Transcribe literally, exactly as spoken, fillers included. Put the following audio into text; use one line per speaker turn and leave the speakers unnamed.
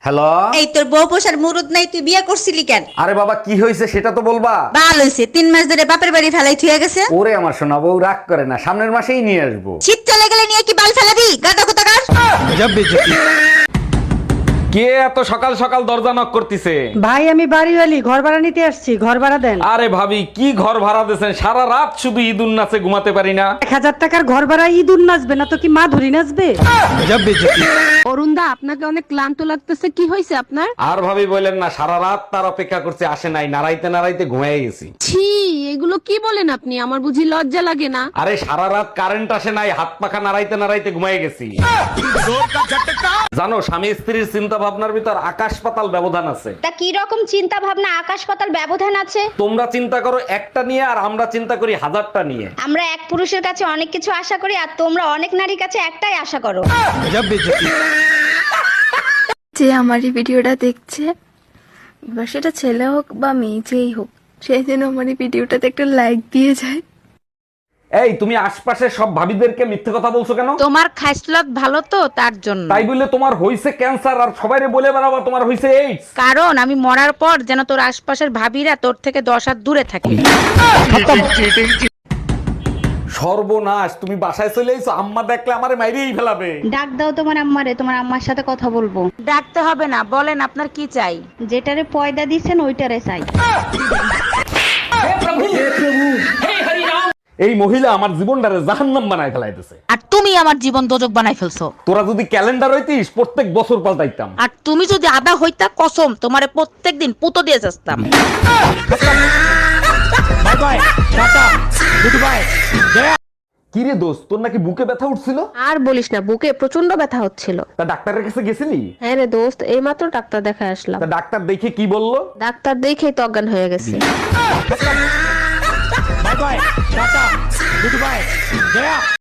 Hello.
এই তোর বউ পোষার মুরুদ নাই, তুই বিয়ে করছিলি কেন?
আরে বাবা কি হয়েছে সেটা তো বলবা।
ভালো হইছে, তিন মাস ধরে বাপের বাড়ি ফেলাই থুয়ে গেছে।
ওরে আমার সোনা বউ রাগ করে না, সামনের মাসেই নিয়ে আসবো।
শীত চলে গেলে নিয়ে কি বাল ফেলাবি? গাদা কোথাকার।
কে এত সকাল সকাল দরজা নক করতেছে?
ভাই আমি বাড়িওয়ালি, ঘর ভাড়া নিতে আসছি, ঘর ভাড়া দেন।
আরে ভাবি কি ঘর ভাড়া দিয়েছেন? সারা রাত শুধু ঈদুন নাচে ঘুমাতে পারি না।
এক হাজার টাকার ঘর ভাড়া ইঁদুর নাচবে না তো কি মা ধরি নাচবে?
অরুণদা, আপনাকে অনেক ক্লান্ত লাগতেছে, কি হয়েছে আপনার?
আর ভাবি বললেন না, সারা রাত তার অপেক্ষা করছে, আসে নাই, নাড়াইতে নাড়াইতে ঘুমিয়ে গেছি।
ছি, এগুলো কি বলেন আপনি? আমার বুঝি লজ্জা লাগে না?
আরে সারা রাত কারেন্ট আসে নাই, হাত পাখা নাড়াইতে নাড়াইতে ঘুমিয়ে গেছি। জানো, স্বামী স্ত্রীর চিন্তা ভাবনার ভিতর আকাশ পাতাল ব্যবধান আছে।
তা কি রকম চিন্তা ভাবনা আকাশ পাতাল ব্যবধান আছে?
তোমরা চিন্তা করো একটা নিয়ে, আর আমরা চিন্তা করি হাজারটা নিয়ে।
আমরা এক পুরুষের কাছে অনেক কিছু আশা করি, আর তোমরা অনেক নারীর কাছে একটাই আশা করো।
যে আমার এই ভিডিওটা দেখছে, বা সেটা ছেলে হোক বা মেয়ে যেই হোক, সে যেন আমার এই ভিডিওটাতে একটা লাইক দিয়ে যায়।
এই তুমি আশপাশের সব ভাবিদেরকে মিথ্যে কথা বলছো কেন?
তোমার খাইসলত ভালো তো, তার জন্য।
তাই বলে তোমার হইছে ক্যান্সার আর সবাইরে বলে বেড়াবা তোমার হইছে এইডস?
কারণ আমি মরার পর যেন তোর আশপাশের ভাবিরা তোর থেকে দশ হাত দূরে থাকে।
সর্বনাশ, তুমি বাসায় চলে আইছো, আম্মা দেখলে আমারে মাইরেই ফেলাবে।
ডাক দাও তোমার আম্মারে, তোমার আম্মার সাথে কথা বলবো।
ডাকতে হবে না, বলেন আপনার কি চাই?
যেটারে পয়দা দিচ্ছেন ওইটারে চাই।
এই মহিলা আমার জীবনটারে জাহান্নাম বানায় ফেলাইতেছে।
আর তুমি আমার জীবন দোজক বানাই ফেলছো।
তোরা যদি ক্যালেন্ডার হইতিস প্রত্যেক বছর পাল্টাইতাম।
আর তুমি যদি আদা হইতা, কসম তোমারে প্রত্যেকদিন পুতো দিয়ে যাস্তাম।
কি রে দোস্ত, তোর নাকি বুকে ব্যথা উঠছিল?
আর বলিস না, বুকে প্রচন্ড ব্যথা হচ্ছিল।
তা ডাক্তারের কাছে গেছিলি?
হ্যাঁ রে দোস্ত, এইমাত্র ডাক্তার দেখায় আসলাম।
তা ডাক্তার দেখে কি বললো?
ডাক্তার দেখেই তো অজ্ঞান হয়ে গেছে।